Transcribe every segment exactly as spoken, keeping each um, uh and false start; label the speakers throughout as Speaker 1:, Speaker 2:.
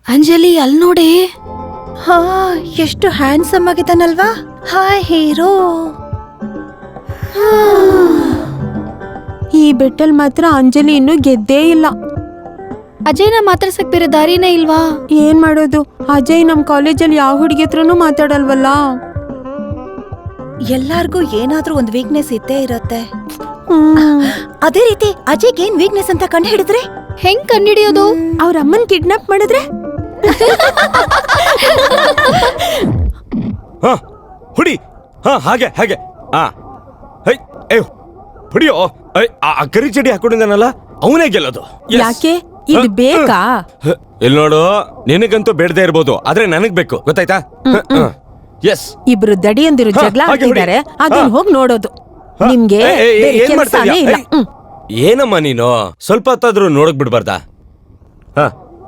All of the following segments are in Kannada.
Speaker 1: ಅಂಜಲಿ ಅಲ್ಲಿ ನೋಡಿ.
Speaker 2: ಹಾ, ಎಷ್ಟು ಹ್ಯಾಂಡ್ಸಮ್ ಆಗಿದ್ದಾನಲ್ವಾ. Hi hero.
Speaker 3: ಈ ಬೆಟ್ಟಲ್ ಮಾತ್ರ ಅಂಜಲಿ ಇನ್ನೂ ಗೆದ್ದೇ ಇಲ್ಲ.
Speaker 1: ಅಜಯ್ನ ಮಾತಾಡ್ಸಕ್ ಬೇರೆ ದಾರಿನೇ ಇಲ್ವಾ?
Speaker 3: ಏನ್ ಮಾಡೋದು, ಅಜಯ್ ನಮ್ ಕಾಲೇಜಲ್ಲಿ ಯಾವ ಹುಡುಗಿ ಹತ್ರನೂ ಮಾತಾಡಲ್ವಲ್ಲ.
Speaker 2: ಎಲ್ಲಾರ್ಗೂ ಏನಾದ್ರೂ ಒಂದು ವೀಕ್ನೆಸ್ ಇದ್ದೇ ಇರತ್ತೆ.
Speaker 3: ಹ್ಮ್.
Speaker 2: ಅದೇ ರೀತಿ ಅಜಯ್ಗೆ ಏನ್ ವೀಕ್ನೆಸ್ ಅಂತ ಕಂಡು ಹಿಡಿದ್ರೆ
Speaker 1: ಹೆಂಗ್ ಕಂಡಿಡಿಯೋದು?
Speaker 3: ಅವ್ರ ಅಮ್ಮನ್ ಕಿಡ್ನಾಪ್ ಮಾಡಿದ್ರೆ
Speaker 4: ಹಾ ಹುಡಿ. ಹಾ ಹಾಗೆ ಹಾಗೆ. ಹಾ ಹೈ ಏ ಹುಡಿಯೋ. ಆ ಕರಿ ಚಡಿ ಹಾಕೊಂಡಿದ್ದಾನಲ್ಲ ಅವನೇ ಗೆಲ್ಲೋದು.
Speaker 3: ಯಾಕೆ ಇದು ಬೇಕಾ?
Speaker 4: ಇಲ್ಲಿ ನೋಡು, ನಿನಗಂತೂ ಬೇಡದೇ ಇರ್ಬೋದು, ಆದ್ರೆ ನನಗ್ ಬೇಕು, ಗೊತ್ತಾಯ್ತಾ? ಎಸ್.
Speaker 3: ಇಬ್ರು ದಡಿಯಂದಿರು ಜಗಳ ಆಡ್ತಿದ್ದಾರೆ, ಅದನ್ನ ಹೋಗಿ ನೋಡೋದು. ನಿಮ್ಗೆ ಕೆಲಸನೇ ಇಲ್ಲ.
Speaker 4: ಏನಮ್ಮ ನೀನು ಸ್ವಲ್ಪ ಹೊತ್ತಾದ್ರೂ ನೋಡಕ್ ಬಿಡ್ಬಾರ್ದಾ? ಹ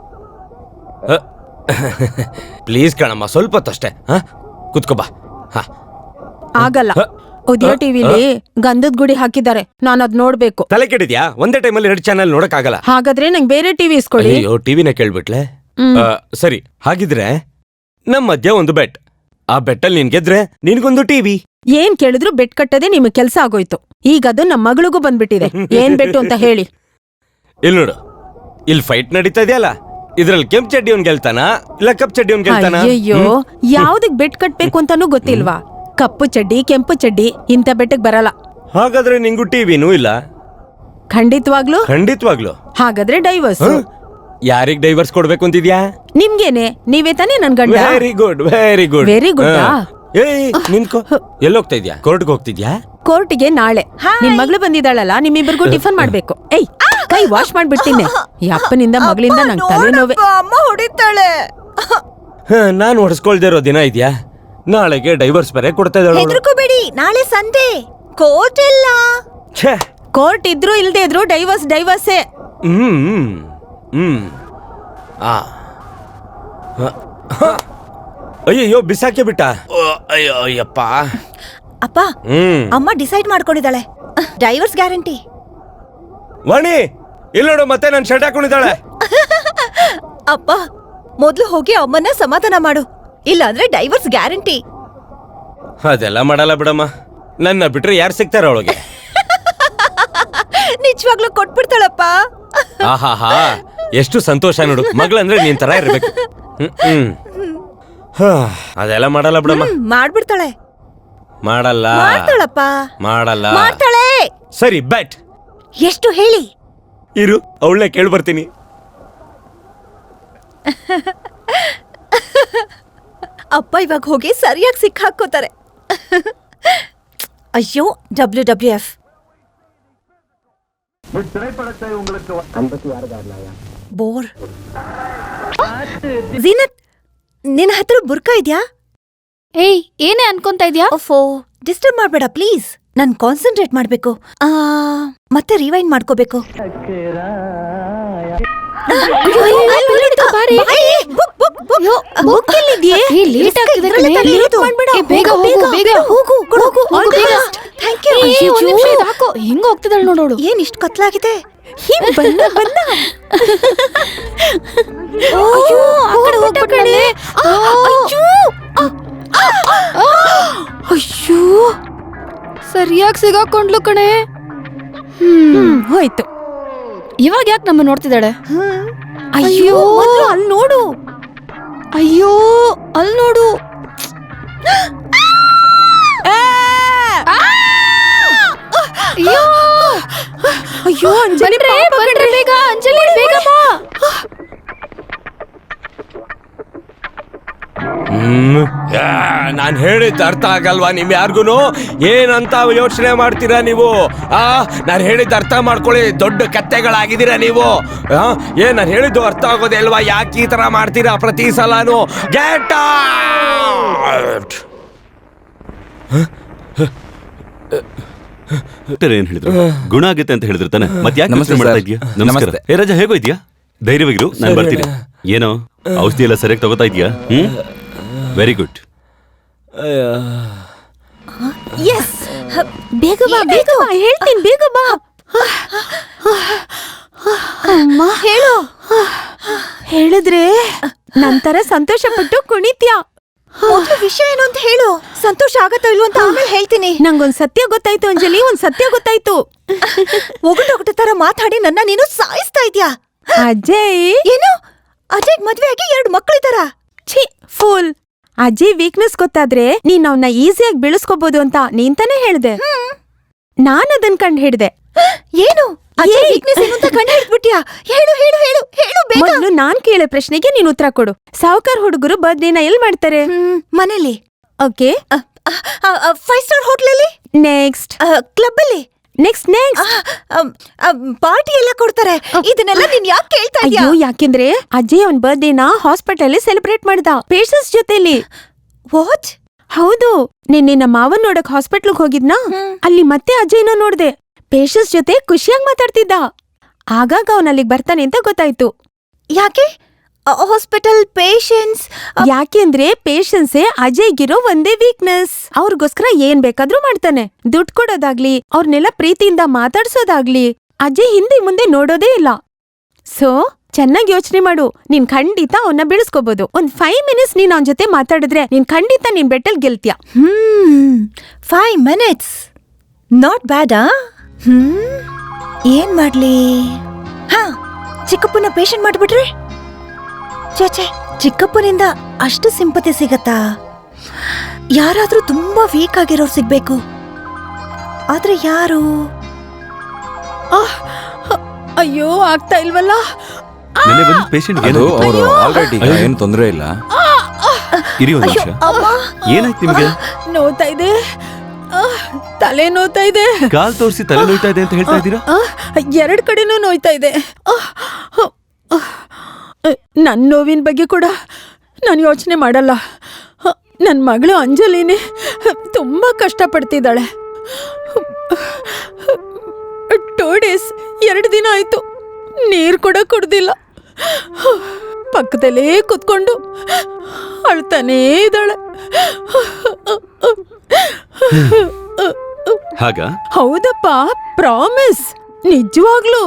Speaker 4: ಪ್ಲೀಸ್ ಕಣಮ್ಮ, ಸ್ವಲ್ಪ ಹೊತ್ತಷ್ಟೇ. ಹ ಕುತ್ಕೋಬಾ. ಹ
Speaker 3: ಆಗಲ್ಲ. ಉದಯ ಟಿವಿಲಿ ಗಂಧದ ಗುಡಿ ಹಾಕಿದ್ದಾರೆ, ನಾನು ಅದ್ ನೋಡ್ಬೇಕು.
Speaker 4: ತಲೆ ಕೆಡಿದ್ಯಾ? ಒಂದೇ ಟೈಮಲ್ಲಿ ಎರಡು ಚಾನೆಲ್ ನೋಡಕ್ ಆಗಲ್ಲ.
Speaker 3: ಹಾಗಾದ್ರೆ ನಂಗೆ ಬೇರೆ ಟಿವಿ ಇಸ್ಕೊಳ್ಳಿ.
Speaker 4: ಅಯ್ಯೋ, ಟಿವಿನ ಕೇಳ್ಬಿಟ್ಲೆ. ಸರಿ, ಹಾಗಿದ್ರೆ ನಮ್ ಮಧ್ಯ ಒಂದು ಬೆಟ್. ಆ ಬೆಟ್ಟಲ್ಲಿ ನೀನ್ ಗೆದ್ರೆ ನಿನ್ಗೊಂದು ಟಿವಿ.
Speaker 3: ಏನ್ ಕೇಳಿದ್ರು ಬೆಟ್ ಕಟ್ಟದೆ ನಿಮಗ್ ಕೆಲ್ಸ ಆಗೋಯ್ತು. ಈಗ ಅದು ನಮ್ ಮಗಳಿಗೂ ಬಂದ್ಬಿಟ್ಟಿದೆ. ಏನ್ ಬೆಟ್ಟು ಅಂತ ಹೇಳಿ.
Speaker 4: ಇಲ್ಲಿ ನೋಡು, ಇಲ್ಲಿ ಫೈಟ್ ನಡೀತಾ ಇದೆಯಲ್ಲ, ಇದ್ರಲ್ಲಿ ಕೆಂಪ್ ಚಡ್ಡಿ ಅವ್ನ್ ಗೆಲ್ತಾನ ಇಲ್ಲ ಕಪ್ ಚಡ್ಡಿ ಅವ್ನ್ ಗೆಲ್ತಾನ?
Speaker 3: ಅಯ್ಯೋ, ಯಾವ್ದಕ್ ಬೆಟ್ ಕಟ್ಬೇಕು ಅಂತಾನೂ ಗೊತ್ತಿಲ್ವಾ? ಕಪ್ಪು ಚಡ್ಡಿ, ಕೆಂಪು ಚಡ್ಡಿ ಇಂಥ ಬೆಟ್ಟಕ್ ಬರಲ್ಲ.
Speaker 4: ಹಾಗಾದ್ರೆ ನಿಂಗೂ ಟಿವಿನೂ ಇಲ್ಲ?
Speaker 3: ಖಂಡಿತವಾಗ್ಲು
Speaker 4: ಖಂಡಿತವಾಗ್ಲು.
Speaker 3: ಹಾಗಾದ್ರೆ ಡೈವರ್ಸ್.
Speaker 4: ಯಾರಿಗ್ ಡೈವರ್ಸ್ ಕೊಡ್ಬೇಕು ಅಂತಿದ್ಯಾ?
Speaker 3: ನಿಮ್ಗೇನೆ, ನೀವೇ ತಾನೇ ನನ್ ಗಂಡ.
Speaker 4: Very good, very good,
Speaker 3: very good.
Speaker 4: ಏಯ್ ನಿಂತ್ಕೋ. ಎಲ್ಲೋಗ್ತಾ ಇದ್ಯಾ? ಕೋರ್ಟ್ಗೆ ಹೋಗ್ತಿದ್ಯಾ?
Speaker 3: ಕೋರ್ಟಿಗೆ ನಾಳೆ. ನಿನ್ ಮಗಳು ಬಂದಿದ್ದಾಳಲ್ಲ, ನಿಮ್ಮಿಬ್ಬರಿಗೂ ಟಿಫನ್ ಮಾಡ್ಬೇಕು. ಏಯ್, ಕೈ ವಾಶ್ ಮಾಡ್ಬಿಡ್ತೀನಿ. ಈ ಅಪ್ಪನಿಂದ ಮಗಳಿಂದ ನಂಗೆ ತಲೆನೋವೆ.
Speaker 2: ಅಮ್ಮ ಹೊಡಿತಾಳೆ.
Speaker 4: ನಾನ್ ಹೊಡ್ಸ್ಕೊಳ್ದೇ ಇರೋ ದಿನ ಇದ್ಯಾ? ನಾಳೆಗೆ ಡೈವರ್ಸ್ ಬೇರೆ ಕೊಡ್ತಾ ಇದ್ದಾಳೆ.
Speaker 2: ಹೆದರ್ಕೋಬೇಡಿ, ನಾಳೆ ಸಂಡೆ ಕೋರ್ಟ್ ಇಲ್ಲ.
Speaker 3: ಕೋರ್ಟ್ ಇದ್ರು ಇಲ್ದೇ ಇದ್ರು ಡೈವರ್ಸ್ ಡೈವರ್ಸೇ.
Speaker 4: ಹ್ಮ್ ಹ್ಮ್ ಆ ಅಯ್ಯಯ್ಯೋ, ಬಿಸಾಕೆ ಬಿಟ್ಟ. ಅಯ್ಯೋ ಅಯ್ಯಪ್ಪ.
Speaker 2: ಅಪ್ಪ, ಅಮ್ಮ ಡಿಸೈಡ್ ಮಾಡ್ಕೊಂಡಿದ್ದಾಳೆ, ಡೈವರ್ಸ್ ಗ್ಯಾರಂಟಿ.
Speaker 4: ವಾಣಿ, ಇಲ್ಲಿ ನೋಡು, ಮತ್ತೆ ನಾನು ಶರ್ಟ್ ಹಾಕೊಂಡಿದ್ದಾಳೆ.
Speaker 2: ಅಪ್ಪ, ಮೊದ್ಲು ಹೋಗಿ ಅಮ್ಮನ್ನ ಸಮಾಧಾನ ಮಾಡು, ಇಲ್ಲ ಅಂದ್ರೆ ಡೈವರ್ಸ್ ಗ್ಯಾರಂಟಿ.
Speaker 4: ಅದೆಲ್ಲ ಮಾಡಲ್ಲ ಬಿಡಮ್ಮ, ನನ್ನ ಬಿಟ್ರೆ ಯಾರು ಸಿಗ್ತಾರ ಅವಳಿಗೆ?
Speaker 2: ನಿಜವಾಗ್ಲೂ ಕೊಟ್ಬಿಡ್ತಾಳಪ್ಪ.
Speaker 4: ಆಹಾಹಾ, ಎಷ್ಟು ಸಂತೋಷ ನೋಡು, ಮಗಳಂದ್ರೆ ನೀನ್ ತರ ಇರ್ಬೇಕು. ಹ್ಮ್ ಅದೆಲ್ಲ ಮಾಡಲ್ಲ ಬಿಡಮ್ಮ.
Speaker 2: ಮಾಡ್ಬಿಡ್ತಾಳೆ.
Speaker 4: ಮಾಡಲ್ಲ
Speaker 2: ಮಾಡ್ತಾಳಪ್ಪ.
Speaker 4: ಮಾಡಲ್ಲ
Speaker 2: ಮಾಡ್ತಾಳೆ.
Speaker 4: ಸರಿ, ಬೆಟ್
Speaker 2: ಎಷ್ಟು ಹೇಳಿ?
Speaker 4: ಇರು, ಅವಳನ್ನೇ ಕೇಳಿ ಬರ್ತೀನಿ.
Speaker 2: ಅಪ್ಪ ಇವಾಗ ಹೋಗಿ ಸರಿಯಾಗಿ ಸಿಕ್ಕಾಕೋತಾರೆ. ಅಯ್ಯೋ, W W F. Bore. Zeenat, ನಿನ್ನ ಹತ್ರ ಬುರ್ಕಾ ಇದ್ಯಾ?
Speaker 1: ಏಯ್, ಏನೇ ಅನ್ಕೊಂತ ಇದ್ಯಾ?
Speaker 2: ಓಫೋ, ಡಿಸ್ಟರ್ಬ್ ಮಾಡ್ಬೇಡ ಪ್ಲೀಸ್. ನಾನು ಕಾನ್ಸಂಟ್ರೇಟ್ ಮಾಡ್ಬೇಕು, ಆ ಮತ್ತೆ ರಿವೈಂಡ್ ಮಾಡ್ಕೋಬೇಕು.
Speaker 1: ಹೆಂಗ ಹೋಗ್ತಿದ್ದಾಳೆ ನೋಡೋಡು.
Speaker 2: ಏನ್ ಇಷ್ಟು ಕತ್ಲಾಗಿದೆ?
Speaker 3: ಅಯ್ಯೋ,
Speaker 1: ಸರಿಯಾಗಿ ಸಿಗಾಕೊಂಡ್ಲು ಕಣೆ.
Speaker 3: ಹ್ಮ್ ಹೋಯ್ತು.
Speaker 1: ಇವಾಗ ಯಾಕೆ ನಮ್ಮ ನೋಡ್ತಿದ್ದಾಳೆ?
Speaker 3: ಅಯ್ಯೋ, ಅಲ್ಲಿ ನೋಡು.
Speaker 1: ಅಯ್ಯೋ, ಅಲ್ಲಿ ನೋಡು.
Speaker 3: ಅಯ್ಯೋ, ಅಂಜಲಿ,
Speaker 1: ಬೇಗ ಅಂಜಲಿ, ಬೇಗ ಬಾ.
Speaker 4: ಹ್ಮ್ ನಾನ್ ಹೇಳಿದ್ದು ಅರ್ಥ ಆಗಲ್ವಾ ನಿಮ್ ಯಾರ್ಗುನು? ಏನಂತ ಯೋಚನೆ ಮಾಡ್ತೀರಾ ನೀವು? ಆ ನಾನು ಹೇಳಿದ್ದು ಅರ್ಥ ಮಾಡ್ಕೊಳ್ಳಿ, ದೊಡ್ಡ ಕತ್ತೆಗಳಾಗಿದ್ದೀರಾ ನೀವು. ಏನ್ ನಾನು ಹೇಳಿದ್ದು ಅರ್ಥ ಆಗೋದೇ ಅಲ್ವಾ? ಯಾಕೆ ಈ ತರ ಮಾಡ್ತೀರಾ ಪ್ರತಿ ಸಲಾನು? Get out.
Speaker 5: ಏನ್ ಹೇಳಿದ್ರು? ಗುಣ ಆಗುತ್ತೆ ಅಂತ ಹೇಳಿದ್ರು ತಾನೆ, ಮತ್ತೆ ಯಾಕೆ ನಮಸ್ತೆ ಮಾಡ್ತಾ ಇದೀಯಾ? ನಮಸ್ಕಾರ. ಏ ರಾಜ, ಹೇಗೋ ಇದೆಯಾ? ಧೈರ್ಯವಾಗಿರು, ನಾನು ಬರ್ತೀನಿ. ಏನೋ ಔಷಧಿ ಎಲ್ಲ ಸರಿಯಾಗಿ ತಗೋತಾ ಇದೀಯಾ? ಹ್ಮ್, ವೆರಿ ಗುಡ್.
Speaker 2: ಎಸ್, ಬೇಗ ಬಾ, ಬೇಗ ಬಾ, ಹೇಳ್ತೀನಿ, ಬೇಗ ಬಾ. ಅಮ್ಮ, ಹೇಳು.
Speaker 3: ಹೇಳಿದ್ರೆ ನಂತರ ಸಂತೋಷ ಪಟ್ಟು ಕುಣಿತ್ಯಾ.
Speaker 2: ಮೊದ್ಲು ವಿಷಯ ಏನು ಅಂತ ಹೇಳು. ಸಂತೋಷ ಆಗತ್ತೋ ಇಲ್ವೋ ಅಂತ ಆಮೇಲೆ ಹೇಳ್ತೀನಿ.
Speaker 3: ನಂಗೊಂದ್ ಸತ್ಯ ಗೊತ್ತಾಯ್ತು ಅಂಜಲಿ, ಒಂದ್ ಸತ್ಯ ಗೊತ್ತಾಯ್ತು.
Speaker 2: ಒಗಟೊಗಟ ತರ ಮಾತಾಡಿ ನನ್ನ ನೀನು ಸಾಯಿಸ್ತಾ ಇದ್ಯಾ.
Speaker 3: ಅಜಯ್
Speaker 2: ಏನು? ಅಜಯ್ ಮದ್ವೆ ಆಗಿ ಎರಡು ಮಕ್ಕಳಿದಾರ?
Speaker 3: ಛೀ ಫೂಲ್. ಅಜಯ್ ವೀಕ್ನೆಸ್ ಗೊತ್ತಾದ್ರೆ ನೀನ್ ಅವನ್ನ ಈಸಿಯಾಗಿ ಬೆಳೆಸ್ಕೋಬಹುದು ಅಂತ ನೀನ್ ತಾನೇ ಹೇಳ್ದೆ. ನಾನ್ ಅದನ್ ಕಂಡ್ ಹಿಡ್ದೆ.
Speaker 2: ಏನು? ಅಜಯ್ ವೀಕ್ನೆಸ್ ಏನು ಅಂತ ಕಂಡು ಹಿಡ್ಬಿಟ್ಯಾ? ಹೇಳು ಹೇಳು ಹೇಳು ಹೇಳು ಬೇಗ.
Speaker 3: ಮೊದ್ಲು ನಾನ್ ಕೇಳೋ ಪ್ರಶ್ನೆಗೆ ನೀನ್ ಉತ್ತರ ಕೊಡು. ಸಾವುಕಾರ್ ಹುಡುಗರು ಬರ್ತ್ಡೇನ ಎಲ್ ಮಾಡ್ತಾರೆ?
Speaker 2: ಮನೇಲಿ.
Speaker 3: ಓಕೆ.
Speaker 2: ಫೈವ್ ಸ್ಟಾರ್ ಹೋಟ್ಲಲ್ಲಿ.
Speaker 3: ನೆಕ್ಸ್ಟ್.
Speaker 2: ಕ್ಲಬ್ ಅಲ್ಲಿ.
Speaker 3: Next next.
Speaker 2: ಪಾರ್ಟಿ ಎಲ್ಲ ಕೊಡ್ತಾರೆ. ಇದನ್ನೆಲ್ಲ ನೀನ್ ಯಾಕೆ ಕೇಳ್ತಾ ಇದ್ಯಾ?
Speaker 3: ಅಯ್ಯೋ, ಯಾಕೆಂದ್ರೆ ಅಜಯ್ ಅವನ್ ಬರ್ತ್ಡೇನ ಹಾಸ್ಪಿಟಲ್ ಅಲ್ಲಿ ಸೆಲೆಬ್ರೇಟ್ ಮಾಡ್ದ ಪೇಷನ್ಸ್ ಜೊತೆಲಿ.
Speaker 2: ವಾಟ್?
Speaker 3: ಹೌದು. ನಿನ್ನೆ ನಮ್ಮ ಮಾವನ್ ನೋಡಕ್ ಹಾಸ್ಪಿಟ್ಲ್ಗ್ ಹೋಗಿದ್ನಾ, ಅಲ್ಲಿ ಮತ್ತೆ ಅಜಯ್ನ ನೋಡ್ದೆ. ಪೇಷನ್ಸ್ ಜೊತೆ ಖುಷಿಯಾಗಿ ಮಾತಾಡ್ತಿದ್ದ. ಆಗಾಗ ಅವನ್ ಅಲ್ಲಿಗ್ ಬರ್ತಾನೆ ಅಂತ ಗೊತ್ತಾಯ್ತು.
Speaker 2: ಯಾಕೆ ಹಾಸ್ಪಿಟಲ್ ಪೇಷನ್ಸ್?
Speaker 3: ಯಾಕೆಂದ್ರೆ ಪೇಷನ್ಸೇ ಅಜಯ್ಗಿರೋ ಒಂದೇ ವೀಕ್ನೆಸ್. ಅವ್ರಿಗೋಸ್ಕರ ಏನ್ ಬೇಕಾದ್ರೂ ಮಾಡ್ತಾನೆ. ದುಡ್ಡು ಕೊಡೋದಾಗ್ಲಿ, ಅವ್ರನ್ನೆಲ್ಲ ಪ್ರೀತಿಯಿಂದ ಮಾತಾಡ್ಸೋದಾಗ್ಲಿ ಅಜಯ್ ಹಿಂದೆ ಮುಂದೆ ನೋಡೋದೇ ಇಲ್ಲ. ಸೊ ಚೆನ್ನಾಗಿ ಯೋಚನೆ ಮಾಡು. ನೀನ್ ಖಂಡಿತ ಅವನ್ನ ಬೆಳೆಸ್ಕೋಬಹುದು. ಒಂದ್ ಫೈವ್ ಮಿನಿಟ್ಸ್ ನೀನ್ ಅವನ್ ಜೊತೆ ಮಾತಾಡಿದ್ರೆ ನೀನ್ ಖಂಡಿತ ನಿನ್ ಬೆಟ್ಟಲ್ ಗೆಲ್ತೀಯ.
Speaker 2: ಹ್ಮ್ ಫೈವ್ ಮಿನಿಟ್ಸ್ ನಾಟ್ ಬ್ಯಾಡಾ? ಹ್ಮ್ ಏನ್ ಮಾಡ್ಲಿ? ಹಾ, ಚಿಕ್ಕಪ್ಪನ ಪೇಷಂಟ್ ಮಾಡ್ಬಿಟ್ರೆ? ಚೇಚೆ, ಚಿಕ್ಕಪ್ಪನಿಂದ ಅಷ್ಟು ಸಿಂಪತಿ ಸಿಗತ್ತಾ? ಯಾರಾದ್ರೂ ತುಂಬಾ ವೀಕ್ ಆಗಿರೋರು ಸಿಗ್ಬೇಕು. ಆದ್ರೆ ಯಾರು?
Speaker 3: ಅಯ್ಯೋ, ಆಗ್ತಾ ಇಲ್ವಲ್ಲ.
Speaker 5: ನೆನ್ನೆ ಬಂದ ಪೇಷಂಟ್
Speaker 6: ಅದು ಅವರು ಆಲ್ರೆಡಿ ಏನು ತೊಂದರೆ ಇಲ್ಲ.
Speaker 5: ಇರಿ ಒಂದ್ ನಿಮಿಷ. ಏನಾಯ್ತು ನಿಮ್ಗೆ?
Speaker 3: ನೋತಾ ಇದೆ, ತಲೆ ನೋಯ್ತಾ ಇದೆ.
Speaker 5: ಕಾಲ್ ತೋರಿಸಿ ತಲೆ ನೋಯ್ತಾ ಇದೆ ಅಂತ ಹೇಳ್ತಾ ಇದ್ದೀರಾ?
Speaker 3: ಎರಡ್ ಕಡೆನೂ ನೋಯ್ತಾ ಇದೆ. ನನ್ ನೋವಿನ ಬಗ್ಗೆ ಕೂಡ ನಾನು ಯೋಚನೆ ಮಾಡಲ್ಲ. ನನ್ ಮಗಳು ಅಂಜಲಿನೇ ತುಂಬಾ ಕಷ್ಟಪಡ್ತಿದ್ದಾಳೆ. ಟೂ ಡೇಸ್ ಎರಡು ದಿನ ಆಯ್ತು, ನೀರ್ ಕೂಡ ಕುಡ್ದಿಲ್ಲ. ಪಕ್ಕದಲ್ಲೇ ಕುತ್ಕೊಂಡು ಅಳ್ತಾನೇ ಇದ್ದಾಳೆ.
Speaker 5: ಹಾಗ?
Speaker 3: ಹೌದಪ್ಪ, ಪ್ರಾಮಿಸ್, ನಿಜವಾಗ್ಲು.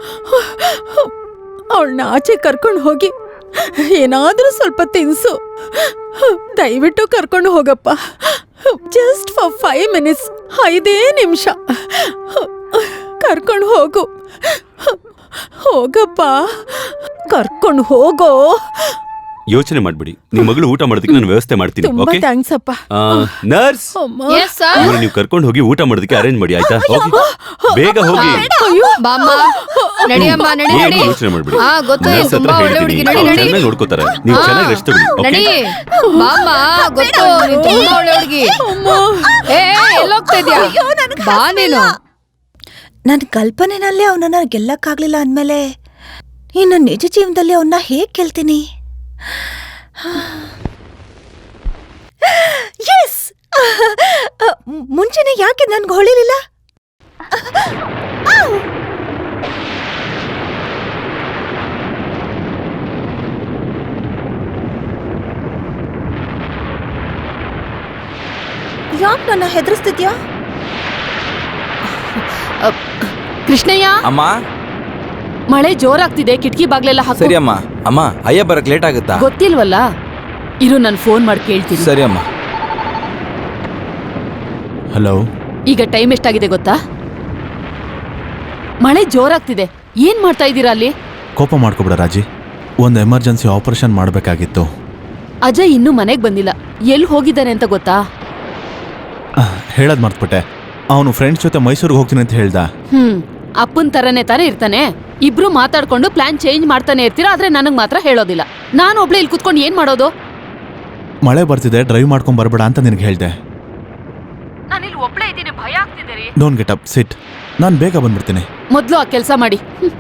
Speaker 3: ಅವಳನ್ನ ಆಚೆ ಕರ್ಕೊಂಡು ಹೋಗಿ ಏನಾದ್ರೂ ಸ್ವಲ್ಪ ತಿನ್ಸು. ದಯವಿಟ್ಟು ಕರ್ಕೊಂಡು ಹೋಗಪ್ಪ. ಜಸ್ಟ್ ಫಾರ್ ಫೈವ್ ಮಿನಿಟ್ಸ್, ಐದೇ ನಿಮಿಷ ಕರ್ಕೊಂಡು ಹೋಗು. ಹೋಗಪ್ಪ, ಕರ್ಕೊಂಡು ಹೋಗೋ.
Speaker 5: ಯೋಚನೆ ಮಾಡ್ಬಿಡಿ. ನಿಮ್ ಮಗಳು ಊಟ ಮಾಡೋದಕ್ಕೆ ನಾನು ವ್ಯವಸ್ಥೆ ಮಾಡ್ತೀನಿ.
Speaker 3: ತುಂಬಾ
Speaker 5: ಓಕೆ
Speaker 3: ಥ್ಯಾಂಕ್ಸ್ ಅಪ್ಪ.
Speaker 5: ನರ್ಸ್, ಇವ್ರು ನೀವು ಕರ್ಕೊಂಡು ಹೋಗಿ ಊಟ ಮಾಡೋದಕ್ಕೆ ಅರೇಂಜ್ ಮಾಡಿ, ಆಯ್ತಾ? ಹೋಗಿ, ಬೇಗ ಹೋಗಿ.
Speaker 1: ಬಾಮ್ಮ, ನಡಿಯಮ್ಮ, ನಡಿ
Speaker 5: ಏನು
Speaker 1: ನಡಿ.
Speaker 5: ಯೋಚನೆ ಮಾಡ್ಬಿಡಿ.
Speaker 1: ಹಾ, ಗೊತ್ತು,
Speaker 5: ನರ್ಸ್ ಹತ್ರ
Speaker 1: ತುಂಬಾ ಒಳ್ಳೆ
Speaker 5: ಹೇಳ್ತೀನಿ,
Speaker 1: ಹುಡುಗಿ. ನಡಿ
Speaker 5: ಅವ್ರು
Speaker 1: ನಡಿ.
Speaker 5: ಚೆನ್ನಾಗಿ ನೋಡ್ಕೋತಾರೆ. ನೀವು ಚೆನ್ನಾಗಿ ರೆಸ್ಟ್ ತಗೊಳ್ಳಿ.
Speaker 1: ನಡಿ
Speaker 5: ಓಕೆ?
Speaker 1: ಬಾಮ್ಮ, ಗೊತ್ತು, ನೀನ್ ತುಂಬಾ ಒಳ್ಳೆ ಹುಡುಗಿ. ಏ, ಎಲ್ಲೋಗ್ತಾ ಇದ್ಯಾ? ಬಾ ನೀನು.
Speaker 2: ನನ್ ಕಲ್ಪನೆನಲ್ಲೇ ಅವನನ್ನ ಗೆಲ್ಲಕ್ಕಾಗ್ಲಿಲ್ಲ ಅಂದ್ಮೇಲೆ ಇನ್ನು ನಿಜ ಜೀವನದಲ್ಲಿ ಅವನ್ನ ಹೇಗ್ ಗೆಲ್ತೀನಿ? ಎಸ್, ಮುಂಚೆನೆ ಯಾಕೆ ನನ್ಗೆ ಹೊಳಿಲಿಲ್ಲ? ಯಾಕೆ ನನ್ನ ಹೆದರಿಸ್ತಿದ್ಯಾ?
Speaker 1: ಕೃಷ್ಣಯ್ಯ,
Speaker 6: ಅಮ್ಮ
Speaker 1: ಮಳೆ ಜೋರಾಗ್ತಿದೆ, ಕಿಟಕಿ ಬಾಗ್ಲೆಲ್ಲ ಹಾಕು.
Speaker 6: ಸರಿ ಅಮ್ಮ. ಅಮ್ಮ, ಅಯ್ಯ ಬರಕ್ ಲೇಟ್ ಆಗುತ್ತಾ?
Speaker 1: ಗೊತ್ತಿಲ್ವಲ್ಲ, ಇರು, ನಾನು ಫೋನ್ ಮಾಡಿ ಕೇಳ್ತೀನಿ.
Speaker 6: ಸರಿ ಅಮ್ಮ.
Speaker 7: ಹಲೋ.
Speaker 1: ಈಗ ಟೈಮ್ ಎಷ್ಟಾಗಿದೆ ಗೊತ್ತಾ? ಮಳೆ ಜೋರಾಗ್ತಿದೆ. ಏನ್ ಮಾಡ್ತಾ ಇದ್ದೀರಾ ಅಲ್ಲಿ?
Speaker 7: ಕೋಪ ಮಾಡ್ಕೊಬೇಡ ರಾಜಿ, ಒಂದು ಎಮರ್ಜೆನ್ಸಿ ಆಪರೇಷನ್ ಮಾಡಬೇಕಾಗಿತ್ತು.
Speaker 1: ಅಜಯ್ ಇನ್ನೂ ಮನೆಗ್ ಬಂದಿಲ್ಲ. ಎಲ್ಲಿ ಹೋಗಿದ್ದಾನೆ ಅಂತ ಗೊತ್ತಾ?
Speaker 7: ಹೇಳೋದು ಮರ್ತ್ಬಿಟ್ಟೆ. ಅವನು ಫ್ರೆಂಡ್ಸ್ ಜೊತೆ ಮೈಸೂರಿಗೆ ಹೋಗ್ತೀನಿ ಅಂತ ಹೇಳ್ದ.
Speaker 1: ಹ್ಮ್ ಅಪ್ಪನ್ ತರನೇ ತಾನೇ ಇರ್ತಾನೆ. ಇಬ್ರು ಮಾತಾಡ್ಕೊಂಡು ಪ್ಲಾನ್ ಚೇಂಜ್ ಮಾಡ್ತಾನೆ ಇರ್ತೀರಾ, ಆದ್ರೆ ನನಗ್ ಮಾತ್ರ ಹೇಳೋದಿಲ್ಲ. ನಾನು ಒಬ್ಳೆ ಇಲ್ಲಿ ಕುತ್ಕೊಂಡು ಏನ್ ಮಾಡೋದು?
Speaker 7: ಮಳೆ ಬರ್ತಿದೆ, ಡ್ರೈವ್ ಮಾಡ್ಕೊಂಡ್ ಬರಬೇಡ ಅಂತ ನಿನಗೆ ಹೇಳ್ದೆ.
Speaker 1: ನಾನಿಲ್ಲಿ ಒಬ್ಳೆ ಇದ್ದೀನಿ, ಭಯ ಆಗ್ತಿದೆ ರೀ.
Speaker 7: Don't get up, sit. ನಾನು ಬೇಗ ಬಂದ್ಬಿಡ್ತೀನಿ.
Speaker 1: ಮೊದ್ಲು ಆ ಕೆಲಸ ಮಾಡಿ.